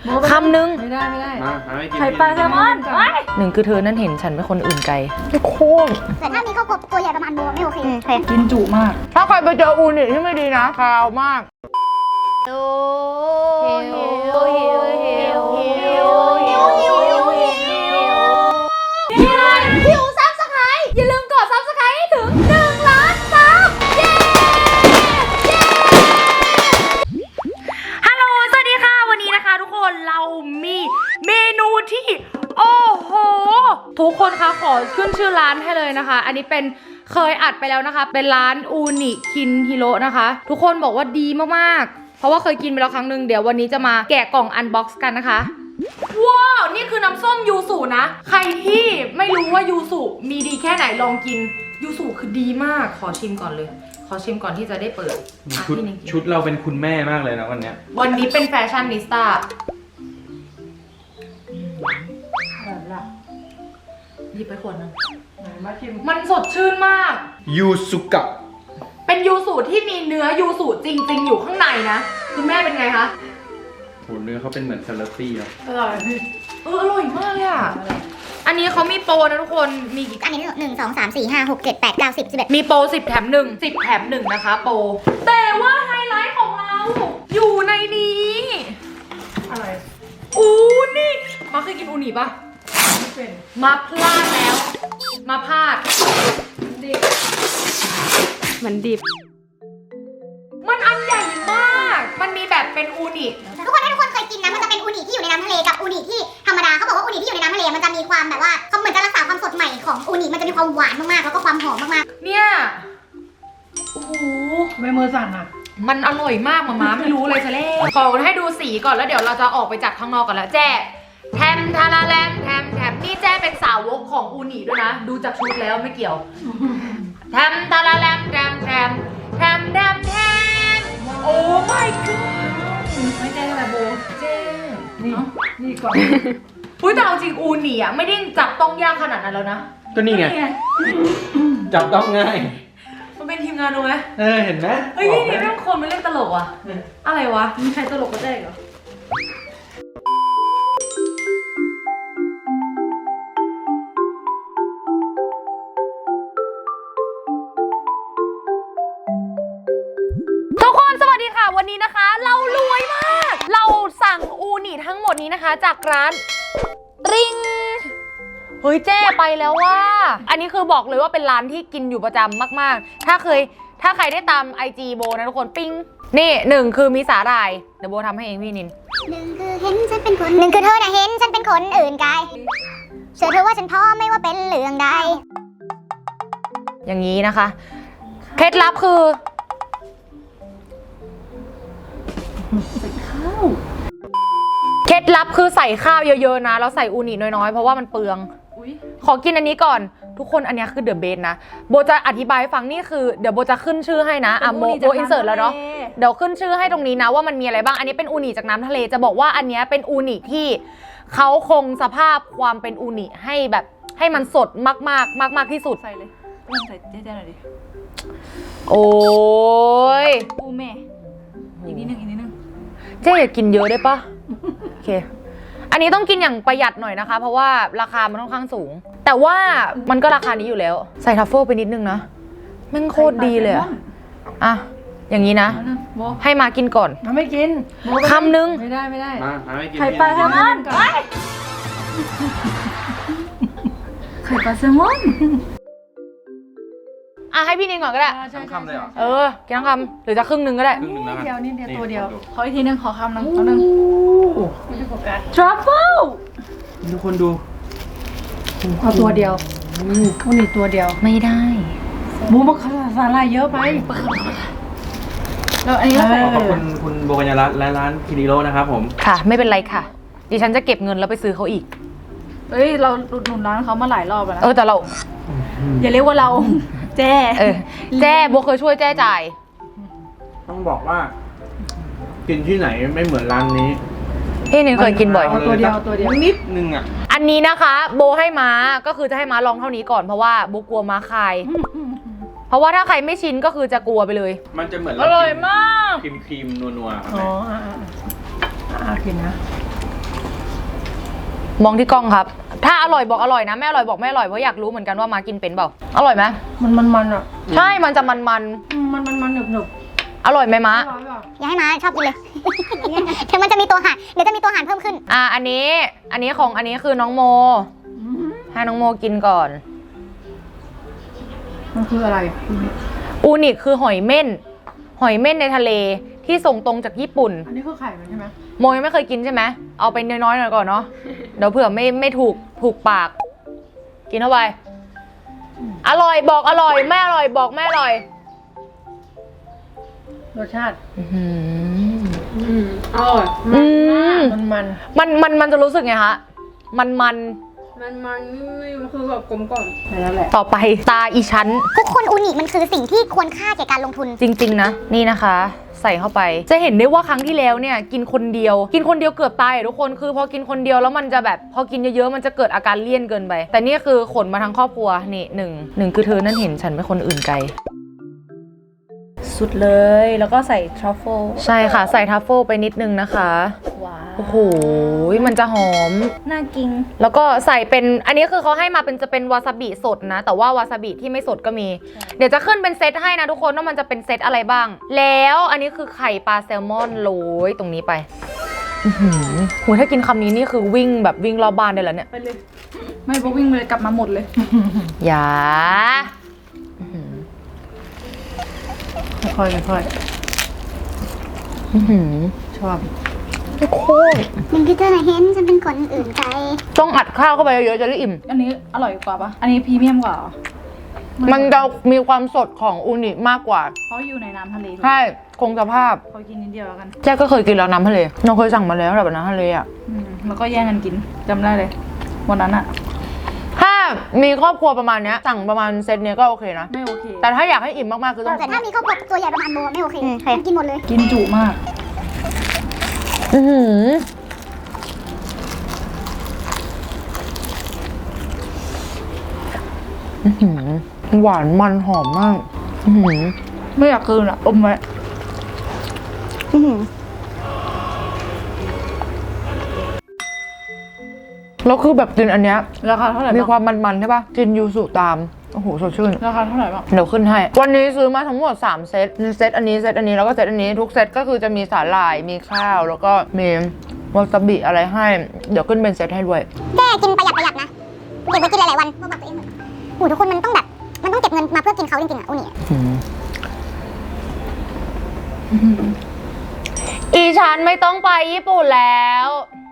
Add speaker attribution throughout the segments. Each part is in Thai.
Speaker 1: คำนึง
Speaker 2: ไม่ได้
Speaker 1: ไข่ปลาแซลมอนหนึ่งคือเธอนั่นเห็นฉันเป็นคนอื่นไกลโคตร
Speaker 3: แต่ถ้ามีครอบครัวตัวใหญ่ประมาณโบไม่โอเค
Speaker 2: กินจุมาก
Speaker 1: ถ้าใครไปเจออูนิที่ไม่ดีนะคาวมาก
Speaker 3: หิวซับสไครต์อย่าลืมกดซับสไครต์ให้ถึง1 ล้านซับเย้
Speaker 1: ฮัลโหลสวัสดีค่ะวันนี้นะคะทุกคนเรามีเมนูที่โอ้โหทุกคนคะขอขึ้นชื่อร้านให้เลยนะคะอันนี้เป็นเคยอัดไปแล้วนะคะเป็นร้านอูนิคินฮิโร่นะคะทุกคนบอกว่าดีมากๆเพราะว่าเคยกินไปแล้วครั้งหนึ่งเดี๋ยววันนี้จะมาแกะกล่องอันบ็อกซ์กันนะคะว้าวนี่คือน้ำส้มยูสุนะใครที่ไม่รู้ว่ายูสุมีดีแค่ไหนลองกินยูสุคือดีมากขอชิมก่อนเลยขอชิมก่อนที่จะได้เปิด
Speaker 4: ชุดเราเป็นคุณแม่มากเลยนะวันเนี้ย
Speaker 1: วันนี้เป็นแฟชั่นนิสต้าหยิบไปขวดนึงมันสดชื่นมาก
Speaker 4: ยูสุกะ
Speaker 1: เป็นยูสุที่มีเนื้อยูสุจริงๆอยู่ข้างในนะคุณแม่เป็นไงคะ
Speaker 4: โหเนื้อเขาเป็นเหมือนซาลาตี้เนาะ
Speaker 1: อร่อยอร่อยมากเลยอ่ะอันนี้เขามีโปรนะทุกคนมีกี่
Speaker 3: อันนี้1 2 3 4 5 6 7 8 9 10 11
Speaker 1: มีโปร10 แถม 1 10 แถม 1นะคะโปรแต่ว่าไฮไลท์ของเราอยู่ในนี้อะไรอูนี่มาเคยกินอูนิปะมาพลาดแล้วมาพลาดดิบมันดิบมันอันใหญ่มากมันมีแบบเป็นอูนิ
Speaker 3: ทุกคนถ้าทุกคนเคยกินนะมันจะเป็นอูนิที่อยู่ในน้ำทะเลกับอูนิที่ธรรมดาเขาบอกว่าอูนิที่อยู่ในน้ำทะเลมันจะมีความแบบว่าเขาเหมือนจะรักษาความสดใหม่ของอูนิมันจะมีความหวานมากๆแล้วก็ความหอมมาก
Speaker 1: ๆเนี่ยโอ้โห
Speaker 2: ไม่มือสั่นอ่ะ
Speaker 1: มันอร่อยมากมาไม่รู้เลยจะเล่ขอให้ดูสีก่อนแล้วเดี๋ยวเราจะออกไปจากข้างนอกกันแล้วแจ้แทมทาราแลมแทมนี่แจ้เป็นสาวกของอูนิด้วยนะดูจากชุดแล้วไม่เกี่ยวแทมทาราแลมแทมโอ้ my god
Speaker 2: ไม่ใช่แบบโบ
Speaker 1: เจ้
Speaker 2: นี่ก่อน
Speaker 1: อุ้ยแต่เอาจริงอูนิอ่ะไม่ได้จับต้องยากขนาดนั้นแล้วนะ
Speaker 4: ก็นี่ไงจับต้องง่าย
Speaker 1: มันเป็นทีมงานดูไหม
Speaker 4: เห็นไหม
Speaker 1: เฮ้ยนี่เรื่องคนไม่เล่นตลกอ่ะอะไรวะมีใครตลกก็ได้เหรอวันนี้นะคะเรารวยมากเราสั่งอูนิทั้งหมดนี้นะคะจากร้านริงเฮ้ยเจ้ไปแล้วว่าอันนี้คือบอกเลยว่าเป็นร้านที่กินอยู่ประจำมากๆถ้าใครได้ตาม IG โบนะทุกคนปิ้งนี่1คือมีสาหร่ายเดี๋ยวโบทำให้เองพี่นิน
Speaker 3: 1คือเห็นฉันเป็นคน1คือเธอน่ะเห็นฉันเป็นคนอื่นไกลเชื่อเธอว่าฉันพร้อมไม่ว่าเป็นเรื่องใด
Speaker 1: อย่างนี้นะคะเคล็ดลับคือเคล็ดลับคือใส่ข้าวเยอะๆนะแล้วใส่อูนิน้อยๆเพราะว่ามันเปลืองขอกินอันนี้ก่อนทุกคนอันนี้คือเดอะเบสนะโบจะอธิบายให้ฟังนี่คือเดี๋ยวโบจะขึ้นชื่อให้นะโบอินเสิร์ตแล้วเนาะเดี๋ยวขึ้นชื่อให้ตรงนี้นะว่ามันมีอะไรบ้างอันนี้เป็นอูนิจากน้ำทะเลจะบอกว่าอันนี้เป็นอูนิที่เขาคงสภาพความเป็นอูนิให้แบบให้มันสดมากที่สุด
Speaker 2: ใส่เลยใส่เจ๊ๆหน่อยดิ
Speaker 1: โอ้ย
Speaker 2: อูแม่อีกนิดนึง
Speaker 1: เจ๊อย่ากินเยอะได้ปะโอเคอันนี้ต้องกินอย่างประหยัดหน่อยนะคะเพราะว่าราคามันค่อนข้างสูงแต่ว่ามันก็ราคานี้อยู่แล้วใส่ทัฟเฟิลไปนิดนึงนะแม่งโคตรดีเลยอะอย่างนี้นะให้มากินก่อน
Speaker 2: ไม่กิน
Speaker 1: คำนึง
Speaker 2: ไม่ได้
Speaker 1: ไข่ปลาแซลมอน
Speaker 2: ไข่ปลาแซลมอน
Speaker 1: ให้พี่นินก่อนก็ได้
Speaker 4: ทั้งคำเลยเหร
Speaker 1: อกินทั้งคำหรือจะครึ่งนึงก็ได้
Speaker 2: เดียวตัวเดียวขออีกทีนึงขอคำนึงไม่ได้โฟกัส
Speaker 1: ทรัฟเฟิล
Speaker 4: ทุกคนดู
Speaker 2: เอาตัวเดียวอูนิตัวเดียว
Speaker 1: ไม่ได้
Speaker 2: บูมสาหร่ายเยอะไปแล้วอันนี้
Speaker 4: ขอบคุณโบกัญญารัตน์และร้านคินิโร่นะครับผม
Speaker 1: ค่ะไม่เป็นไรค่ะดิฉันจะเก็บเงินแล้วไปซื้อเขาอีก
Speaker 2: เราหนุนร้านเขามาหลายรอบแล้วนะ
Speaker 1: แต่เรา
Speaker 2: อย่าเรียกว่าเราแจ้
Speaker 1: โบเคยช่วยแจ้จ่าย
Speaker 4: ต้องบอกว่ากินที่ไหนไม่เหมือนร้านนี้
Speaker 1: พี่นึงเคยกินบ่อย
Speaker 2: ตัวเดียว
Speaker 4: นิดนึงอ่ะ
Speaker 1: อันนี้นะคะโบให้ม้าก็คือจะให้ม้าลองเท่านี้ก่อนเพราะว่าโบกลัวม้าคายเพราะว่าถ้าใครไม่ชินก็คือจะกลัวไปเลย
Speaker 4: มันจะเหมือน
Speaker 1: อร่อยมาก
Speaker 4: ครีมนัวๆครับ
Speaker 2: กินนะ
Speaker 1: มองที่กล้องครับ ถ้าอร่อยบอกอร่อยนะไม่อร่อยบอกไม่อร่อยเพราะอยากรู้เหมือนกันว่ามากินเป็นเปล่าอร่อยไหม
Speaker 2: มันอ่ะ
Speaker 1: ใช่มันจะมัน
Speaker 2: มันหนึบ
Speaker 1: ๆอร่อยไหมมะ
Speaker 2: อร่อยป่ะ
Speaker 3: อย่าให้มาชอบกินเลย เดี๋ยวมันจะมีตัวหารเดี๋ยวจะมีตัวหารเพิ่มขึ้น
Speaker 1: อันนี้ของอันนี้คือน้องโมให้น้องโมกินก่อน
Speaker 2: มันคืออะไร
Speaker 1: อูนิคือหอยเม่นในทะเลที่ส่งตรงจากญี่ปุ่น
Speaker 2: อันนี้คือไข่มันใช่ไหม
Speaker 1: โมยังไม่เคยกินใช่ไหมเอาไปน้อยๆหน่อยก่อนเนาะเดี๋ยวเผื่อไม่ถูกปาก กินเข้าไปอร่อยบอกอร่อยไม่อร่อยบอกไม่อร่อย
Speaker 2: รสชาติ
Speaker 5: อร่อย
Speaker 1: มันจะรู้สึกไงคะมัน
Speaker 5: มันคือแบบกลมกล่อม
Speaker 2: แล้วแหละ
Speaker 1: ต่อไปตาอีชั้น
Speaker 3: ทุกคนอูนิมันคือสิ่งที่ควรค่าแก่การลงทุน
Speaker 1: จริงๆนะนี่นะคะ ใส่เข้าไปจะเห็นได้ว่าครั้งที่แล้วเนี่ยกินคนเดียวเกือบตายอะทุกคนคือพอกินคนเดียวแล้วมันจะแบบพอกินเยอะๆมันจะเกิดอาการเลี่ยนเกินไปแต่นี่คือขนมาทั้งครอบครัวนี่หนึ่งคือเธอนั่นเห็นฉันเป็นคนอื่นไกล
Speaker 2: สุดเลยแล้วก็ใส่ทรัฟเฟิล
Speaker 1: ใช่ค่ะใส่ทัฟเฟิลไปนิดนึงนะคะ
Speaker 2: ว้าว
Speaker 1: โอ้โหมันจะหอม
Speaker 2: น่ากิน
Speaker 1: แล้วก็ใส่เป็นอันนี้คือเขาให้มาเป็นจะเป็นวาซาบิสดนะแต่ว่าวาซาบิที่ไม่สดก็มี เดี๋ยวจะขึ้นเป็นเซตให้นะทุกคนว่ามันจะเป็นเซตอะไรบ้าง แล้วอันนี้คือไข่ปลาแซลมอนโรยตรงนี้ไปโหถ้ากินคำนี้นี่คือวิ่งแบบวิ่งรอบบ้านได้แล้วเนี่ย
Speaker 2: ไปเลย ไม่พอวิ่งเลยกลับมาหมดเลย
Speaker 1: อย่า
Speaker 2: ค่อยชอบ
Speaker 1: โคตร
Speaker 3: มันคือเธอเห็นฉันเป็นคนอื่นใจ
Speaker 1: ต้องอัดข้าวเข้าไปเยอะๆจะได้อิ่ม
Speaker 2: อันนี้อร่อยกว่าปะอันนี้พรีเมียมกว่าเหรอ
Speaker 1: มันจะมีความสดของอูนิมากกว่า
Speaker 2: เขาอยู่ในน้ำทะเล
Speaker 1: ใช่คงสภาพ
Speaker 2: เขากินนิดเดียวแล้วกัน
Speaker 1: แจ๊กก็เคยกินแล้วน้ำทะเลเราเคยสั่งมาแล้วแบบน้ำทะเลอ่ะ
Speaker 2: แล้วก็แย่งกันกินจำได้เลยวันนั้นอะ
Speaker 1: ถ้ามีครอบครัวประมาณเนี้ยสั่งประมาณเซตเนี้ยก็โอเคนะ
Speaker 2: ไม่โอเค
Speaker 1: แต่ถ้าอยากให้อิ่มมากๆคือต้อง
Speaker 3: แต่ถ้ามีครอบครัวตัวใหญ่ประมาณโมไม่โอเคมันกินหมดเลย
Speaker 2: กินจุมาก
Speaker 1: อื้อหืออื้อหือหวานมันหอมมาก อื้อหือ
Speaker 2: ไม่อยากคืนอะอมไว้
Speaker 1: แล้วคือแบบกินอันเนี้ย
Speaker 2: ราคาเท่าไหร่
Speaker 1: มี
Speaker 2: บ้าง
Speaker 1: ความมันๆใช่ปะกินยูสุตาม โอ้โหสดชื่น
Speaker 2: ราคาเท่าไหร่บ้าง
Speaker 1: เดี๋ยวขึ้นให้ วันนี้ซื้อมาทั้งหมด3เซตเซตอันนี้เซตอันนี้แล้วก็เซตอันนี้ทุกเซตก็คือจะมีสาหร่ายมีข้าวแล้วก็มีวาซาบิอะไรให้ เดี๋ยวขึ้นเป็นเซตให้ด้วย
Speaker 3: แค่กินประหยัดนะเก็บไว้กินหลายๆวันบอกตัวเองเหมือนโอ้ทุกคนมันต้องแบบมันต้องเก็บเงินมาเพื่อกินเขาจริงๆอ่ะอูนิ
Speaker 1: อีฉันไม่ต้องไปญี่ปุ่นแล้ว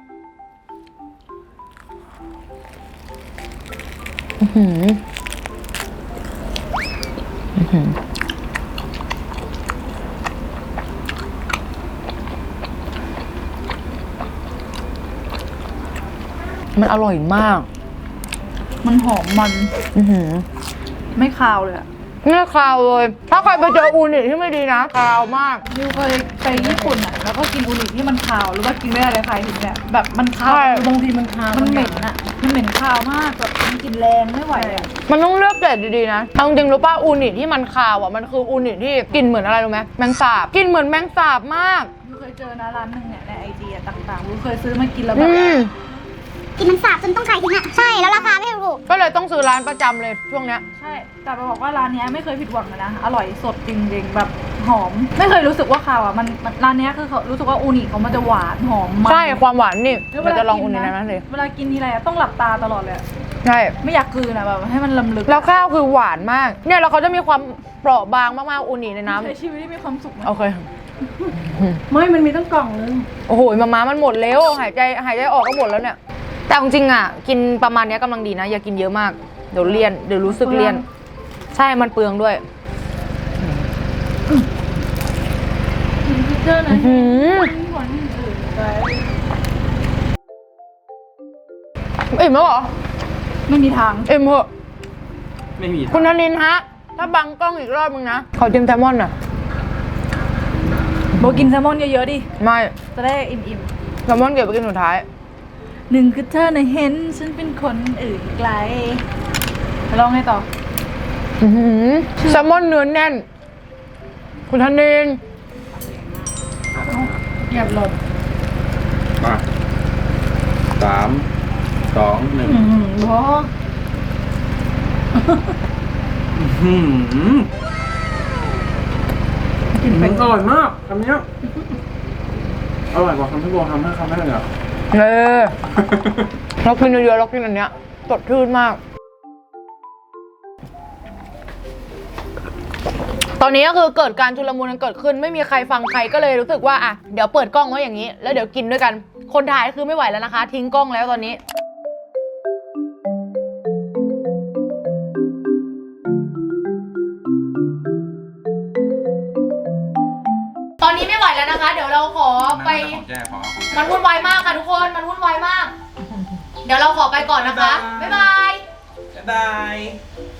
Speaker 1: มันอร่อยมาก
Speaker 2: มันหอมมันไม่คาวเลยอะ
Speaker 1: ไม่คาวเลย ถ้าใครไปเจออูนิที่ไม่ดีนะคาวมาก
Speaker 2: นิวเคยไปญี่ปุ่นอะแล้วก็กินอูนิที่มันคาวหรือว่ากินไม่ได้เลยใครถึงเนี่ยแบบมันคาว
Speaker 1: ใช่
Speaker 2: บางทีมันคาวมันเหม็นอะมันเหม็นคาวมากแบบมันกินแรงไม่ไหวอะ
Speaker 1: มันต้องเลือกเกรดดีๆนะเอาจริงๆรู้ป่ะอูนิที่มันคาวอ่ะมันคืออูนิที่กลิ่นเหมือนอะไรรู้ไหมแมงสาบกลิ่นเหมือนแมงสาบมาก
Speaker 2: นิวเคยเจอนะร้านหนึ่งเนี่ยในไอจีต่างๆนิวเคยซื้อมากินแล้วแบบ
Speaker 3: กินมันสาบจนต้องขายทิ้งอ่ะใช่แล้วราคาไม่ถูก
Speaker 1: ก็เลยต้องซื้อร้านประจำเลยช่วงเนี้ย
Speaker 2: ใช่แต่จะบอกว่าร้านเนี้ยไม่เคยผิดหวังเลยนะอร่อยสดจริงๆแบบหอมไม่เคยรู้สึกว่าคาวอ่ะมันร้านเนี้ยคือเขารู้สึกว่าอูนิเขามันจะหวานหอมมัน
Speaker 1: ใช่ความหวานนี่
Speaker 2: แล้ว
Speaker 1: เราจะลองอูนินั้นเลย
Speaker 2: เวลากินทีไรอะต้องหลับตาตลอดเลยอะ
Speaker 1: ใช่
Speaker 2: ไม่อยากกลืนอะแบบให้มันลำลึก
Speaker 1: แล้วข้าวคือหวานมากเนี่ยแล้วเขาจะมีความเปราะบางมากๆอูนิในน้ำ
Speaker 2: ใช้ชีวิตที่มีความสุขนะ
Speaker 1: โอเค
Speaker 5: ไม่มันมีตั้งกล่องนึง
Speaker 1: โอ้โหมาม่ามันหมดแล้วหายใจออกก็หมดแล้วเนี่ยแต่จริงๆอ่ะกินประมาณเนี้ยกำลังดีนะอย่ากินเยอะมากเดี๋ยวเลี่ยนเดี๋ยวรู้สึกเลี่ยนใช่มันเปลืองด้วย
Speaker 2: กินพิเจอร์นะหวานอื่นไป
Speaker 1: อิ่มแล้วเหรอ
Speaker 2: ไม่มีทาง
Speaker 1: อิ่มเหอะ
Speaker 4: ไม่มี
Speaker 1: คุณธนินฮะถ้าบังกล้องอีกรอบมึงนะขอจิ้มแซลมอนอ่ะ
Speaker 2: โบกินแซลมอนเยอะๆดิ
Speaker 1: ไม่
Speaker 2: จะได้อิ่ม
Speaker 1: แซลมอนเก็บไปกินสุดท้าย
Speaker 2: ๆหนึ่งคือเธอน่ะเห็นฉันเป็นคนอื่นไกลลองไงต่อ
Speaker 1: แซลมอนเนื้อแน่น คุณธนิน
Speaker 2: เหยียบหลบ
Speaker 4: มา3 2 1
Speaker 2: บอ กิน
Speaker 4: มั
Speaker 2: เป็น น
Speaker 4: อร่อยมากคำนี้อร่อยกว่าคำที่โบทำให้คำแรกเลยอ่ะ
Speaker 1: เรากินเยอะๆเรากินอันเนี้ยสดชื่นมาก ตอนนี้ก็คือเกิดการชุลมุนกันเกิดขึ้นไม่มีใครฟังใครก็เลยรู้สึกว่าอ่ะเดี๋ยวเปิดกล้องไว้อย่างนี้ แล้วเดี๋ยวกินด้วยกัน คนถ่ายคือไม่ไหวแล้วนะคะ ทิ้งกล้องแล้วตอนนี้ ตอนนี้ไม่ไหวแล้วนะคะ เดี๋ยวเราขอไป มันวุ่นวายมากค่ะทุกคน มันวุ่นวายมาก เดี๋ยวเราขอไปก่อนนะคะ บ๊ายบาย
Speaker 4: บ๊ายบาย